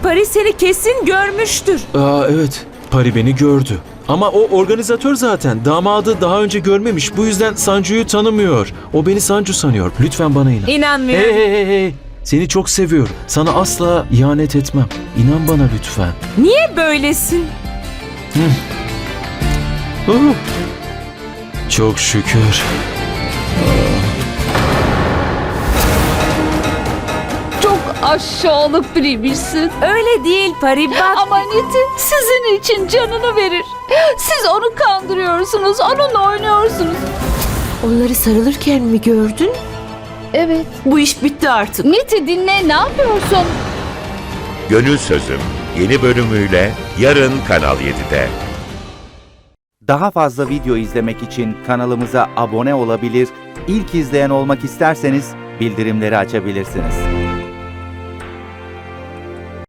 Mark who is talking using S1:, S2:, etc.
S1: Pari seni kesin görmüştür.
S2: Evet, Pari beni gördü. Ama o organizatör zaten. Damadı daha önce görmemiş. Bu yüzden Sancu'yu tanımıyor. O beni Sancu sanıyor. Lütfen bana inan.
S1: İnanmıyorum.
S2: Hey. Seni çok seviyorum. Sana asla ihanet etmem. İnan bana lütfen.
S1: Niye böylesin?
S2: Çok şükür.
S3: Çok aşağılık biriymişsin.
S1: Öyle değil Pari, bak.
S3: Ama Niti sizin için canını verir. Siz onu kandırıyorsunuz, onunla oynuyorsunuz.
S1: Onları sarılırken mi gördün?
S3: Evet.
S1: Bu iş bitti artık.
S3: Niti dinle, ne yapıyorsun?
S4: Gönül Sözüm yeni bölümüyle yarın Kanal 7'de.
S5: Daha fazla video izlemek için kanalımıza abone olabilir, ilk izleyen olmak isterseniz bildirimleri açabilirsiniz.